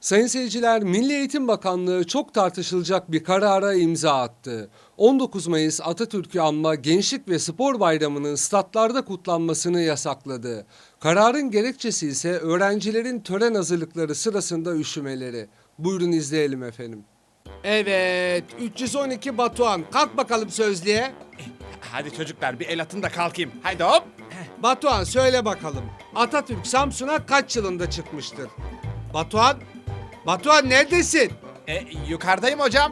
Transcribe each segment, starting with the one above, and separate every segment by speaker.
Speaker 1: Sayın seyirciler, Milli Eğitim Bakanlığı çok tartışılacak bir karara imza attı. 19 Mayıs Atatürk'ü anma Gençlik ve Spor Bayramı'nın statlarda kutlanmasını yasakladı. Kararın gerekçesi ise öğrencilerin tören hazırlıkları sırasında üşümeleri. Buyurun izleyelim efendim. Evet, 312 Batuhan. Kalk bakalım sözlüğe.
Speaker 2: Hadi çocuklar bir el atın da kalkayım. Haydi hop.
Speaker 1: Batuhan söyle bakalım. Atatürk Samsun'a kaç yılında çıkmıştır? Batuhan? Batuhan neredesin?
Speaker 2: Yukarıdayım hocam.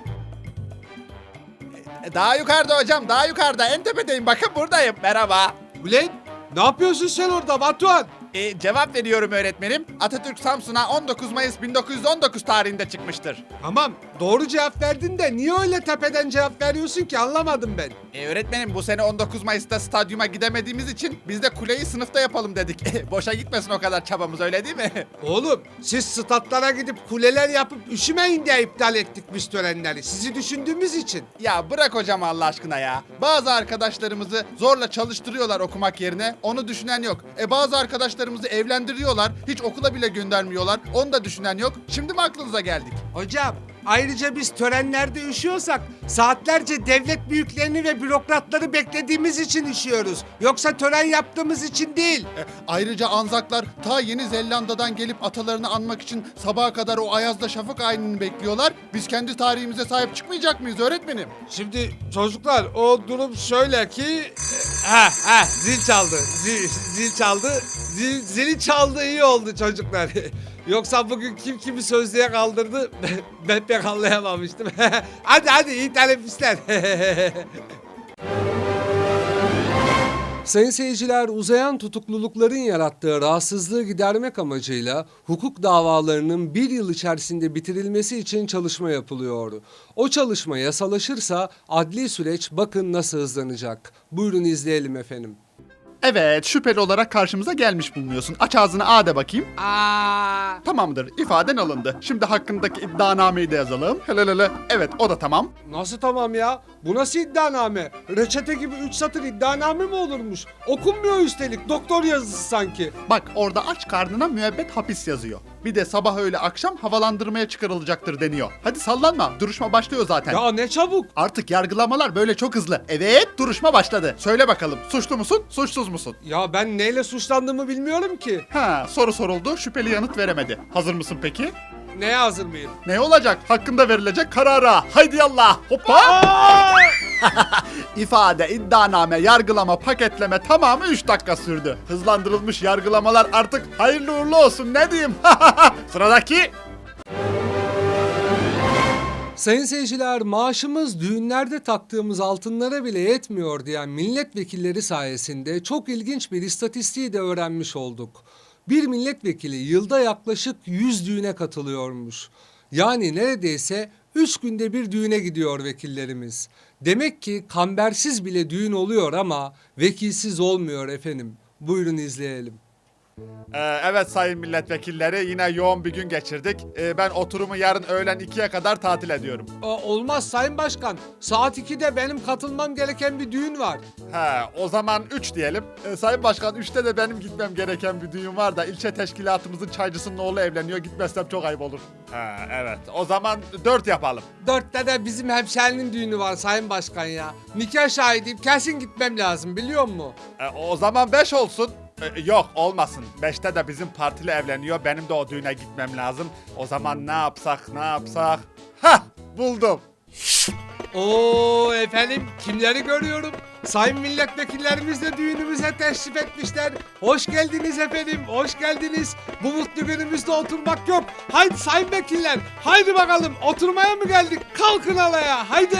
Speaker 2: Daha yukarıda hocam, daha yukarıda. En tepedeyim, bakın buradayım. Merhaba.
Speaker 1: Ulan ne yapıyorsun sen orada Batuhan?
Speaker 2: Cevap veriyorum öğretmenim. Atatürk Samsun'a 19 Mayıs 1919 tarihinde çıkmıştır.
Speaker 1: Tamam doğru cevap verdin de niye öyle tepeden cevap veriyorsun ki anlamadım ben.
Speaker 2: Öğretmenim bu sene 19 Mayıs'ta stadyuma gidemediğimiz için biz de kuleyi sınıfta yapalım dedik. Boşa gitmesin o kadar çabamız, öyle değil mi?
Speaker 1: Oğlum siz statlara gidip kuleler yapıp üşümeyin diye iptal ettik biz törenleri. Sizi düşündüğümüz için.
Speaker 2: Ya bırak hocam Allah aşkına ya. Bazı arkadaşlarımızı zorla çalıştırıyorlar okumak yerine. Onu düşünen yok. Bazı arkadaşlarımızı evlendiriyorlar. Hiç okula bile göndermiyorlar. Onu da düşünen yok. Şimdi mi aklınıza geldik?
Speaker 1: Hocam ayrıca biz törenlerde üşüyorsak saatlerce devlet büyüklerini ve bürokratları beklediğimiz için üşüyoruz. Yoksa tören yaptığımız için değil.
Speaker 2: Ayrıca Anzaklar ta Yeni Zelanda'dan gelip atalarını anmak için sabaha kadar o ayazda şafak ayinini bekliyorlar. Biz kendi tarihimize sahip çıkmayacak mıyız öğretmenim?
Speaker 1: Şimdi çocuklar o durum şöyle ki... zil çaldı. Zil çaldı. Zili çaldı iyi oldu çocuklar. Yoksa bugün kim kimi sözlüğe kaldırdı ben pek anlayamamıştım. hadi iyi teneffüsler. Sayın seyirciler, uzayan tutuklulukların yarattığı rahatsızlığı gidermek amacıyla hukuk davalarının bir yıl içerisinde bitirilmesi için çalışma yapılıyor. O çalışma yasalaşırsa adli süreç bakın nasıl hızlanacak. Buyurun izleyelim efendim.
Speaker 2: Evet, şüpheli olarak karşımıza gelmiş bulunuyorsun. Aç ağzını A de bakayım. Tamamdır, ifaden alındı. Şimdi hakkındaki iddianameyi de yazalım. Helal. Evet, o da tamam.
Speaker 1: Nasıl tamam ya? Bu nasıl iddianame? Reçete gibi 3 satır iddianame mi olurmuş? Okunmuyor üstelik, doktor yazısı sanki.
Speaker 2: Bak orada aç karnına müebbet hapis yazıyor. Bir de sabah öyle akşam havalandırmaya çıkarılacaktır deniyor. Hadi sallanma, duruşma başlıyor zaten.
Speaker 1: Ya ne çabuk.
Speaker 2: Artık yargılamalar böyle çok hızlı. Evet, duruşma başladı. Söyle bakalım, suçlu musun, suçsuz musun?
Speaker 1: Ya ben neyle suçlandığımı bilmiyorum ki.
Speaker 2: Soru soruldu, şüpheli yanıt veremedi. Hazır mısın peki?
Speaker 1: Neye hazır mıyım?
Speaker 2: Ne olacak? Hakkında verilecek karara. Haydi yallah. Hoppa. İfade, iddianame, yargılama, paketleme tamamı 3 dakika sürdü. Hızlandırılmış yargılamalar artık hayırlı uğurlu olsun, ne diyeyim? Sıradaki.
Speaker 1: Sayın seyirciler, maaşımız düğünlerde taktığımız altınlara bile yetmiyor diyen milletvekilleri sayesinde çok ilginç bir istatistiği de öğrenmiş olduk. Bir milletvekili yılda yaklaşık 100 düğüne katılıyormuş. Yani neredeyse 3 günde bir düğüne gidiyor vekillerimiz. Demek ki kambersiz bile düğün oluyor ama vekilsiz olmuyor efendim. Buyurun izleyelim.
Speaker 2: Evet sayın milletvekilleri, yine yoğun bir gün geçirdik. Ben oturumu yarın öğlen 2'ye kadar tatil ediyorum.
Speaker 1: Olmaz Sayın Başkan. Saat 2'de benim katılmam gereken bir düğün var.
Speaker 2: O zaman 3 diyelim. Sayın Başkan, 3'te de benim gitmem gereken bir düğün var da ilçe teşkilatımızın çaycısının oğlu evleniyor. Gitmezsem çok ayıp olur. Evet, o zaman 4 yapalım.
Speaker 1: 4'te de bizim hemşerinin düğünü var Sayın Başkan ya. Nikah şahidiyim, kesin gitmem lazım biliyor musun?
Speaker 2: O zaman 5 olsun. Yok olmasın. 5'te de bizim partili evleniyor. Benim de o düğüne gitmem lazım. O zaman ne yapsak? Hah, buldum.
Speaker 1: Oo efendim, kimleri görüyorum? Sayın milletvekillerimiz de düğünümüze teşrif etmişler. Hoş geldiniz efendim, hoş geldiniz. Bu mutlu günümüzde oturmak yok. Haydi sayın vekiller, haydi bakalım oturmaya mı geldik? Kalkın alaya, haydi.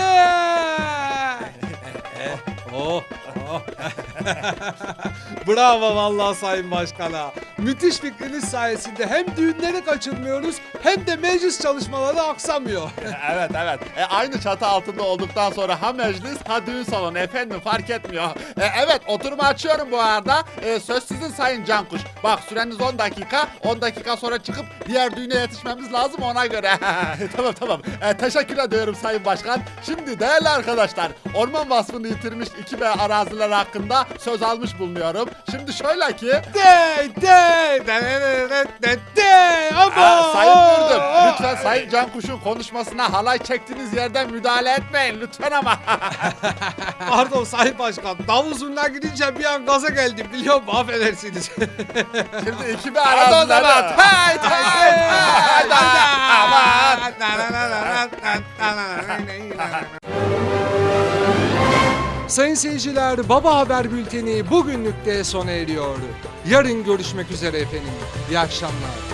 Speaker 1: Bravo vallahi Sayın Başkan'a. Müthiş fikriniz sayesinde hem düğünleri kaçırmıyoruz hem de meclis çalışmaları aksamıyor.
Speaker 2: Evet. Aynı çatı altında olduktan sonra ha meclis ha düğün salonu efendim, fark etmiyor. Evet, oturumu açıyorum bu arada. Söz sizin Sayın Cankuş. Bak süreniz 10 dakika. 10 dakika sonra çıkıp diğer düğüne yetişmemiz lazım, ona göre. Tamam. Teşekkür ediyorum Sayın Başkan. Şimdi değerli arkadaşlar, orman vasfını yitirmiş 2B araziler hakkında söz almış bulunuyorum. Şimdi şöyle ki...
Speaker 1: Sayın Mürdüm,
Speaker 2: Ayrıca Sayın Cankuş'un konuşmasına halay çektiğiniz yerden müdahale etmeyin lütfen ama.
Speaker 1: Pardon Sayın Başkan. Davul zurna gidince bir an gaza geldim biliyor musun? Affedersiniz.
Speaker 2: Şimdi ekibi aradılar. Haydi haydi. Aman.
Speaker 1: Sayın seyirciler, Baba Haber Bülteni bugünlük de sona eriyor. Yarın görüşmek üzere efendim. İyi akşamlar.